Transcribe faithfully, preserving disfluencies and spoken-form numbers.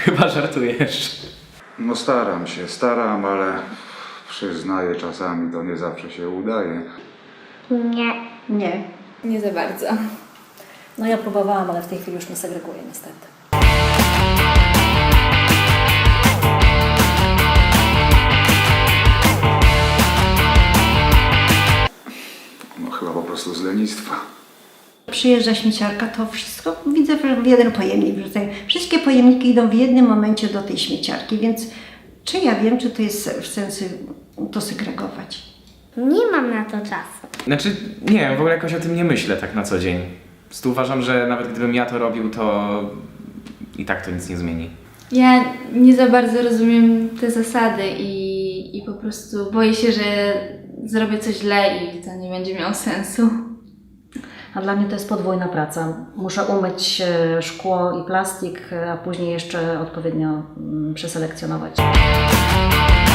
Chyba żartujesz. No staram się, staram, ale przyznaję, czasami to nie zawsze się udaje. Nie. Nie. Nie za bardzo. No ja próbowałam, ale w tej chwili już nie segreguję niestety. No chyba po prostu z lenistwa. Przyjeżdża śmieciarka, to wszystko widzę w jeden pojemnik wrzucają. Wszystkie pojemniki idą w jednym momencie do tej śmieciarki, więc czy ja wiem, czy to jest w sensie to segregować? Nie mam na to czasu. Znaczy, nie wiem, w ogóle jakoś o tym nie myślę tak na co dzień. Po prostu uważam, że nawet gdybym ja to robił, to i tak to nic nie zmieni. Ja nie za bardzo rozumiem te zasady i, i po prostu boję się, że zrobię coś źle i to nie będzie miało sensu. A dla mnie to jest podwójna praca. Muszę umyć e, szkło i plastik, a później jeszcze odpowiednio mm, przeselekcjonować.